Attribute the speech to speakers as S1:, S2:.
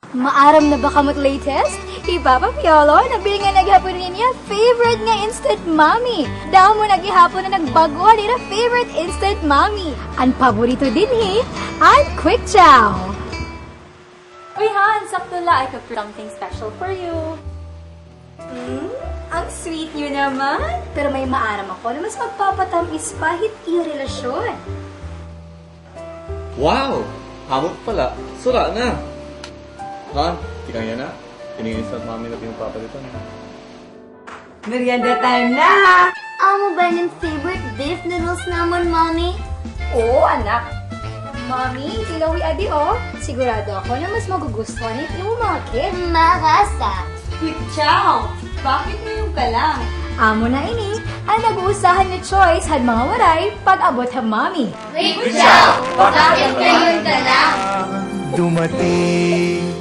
S1: Maaram na ba kamot latest? Ipapapiolo, nabili nga naghapon niya favorite nga instant mommy. Daw mo naghihapon na nagbago nila favorite instant mommy. Ang paborito din ang Quick Chow.
S2: Uy, Han, sakto la. I cooked something special for you.
S1: Ang sweet nyo naman. Pero may maaram ako na mas magpapatamis pa yung relasyon.
S3: Wow! Hamot pala. Sura na. Han, tikang yan na. Tinigil sa mami na pinagpapalitan.
S4: Merienda time na!
S5: Amo ba ng favorite beef noodles naman, Mommy?
S1: Oo, anak. Mommy, tilawi adi Sigurado ako na mas magugustuhan yung mga kids.
S5: Marasa.
S4: Quick chow! Bakit ngayon ka lang?
S1: Amo na ini, ang nag-uusahan ni Choice had mga waray pag-abot ha Mommy.
S5: Quick Chow! Bakit ngayon ka lang?
S6: Dumating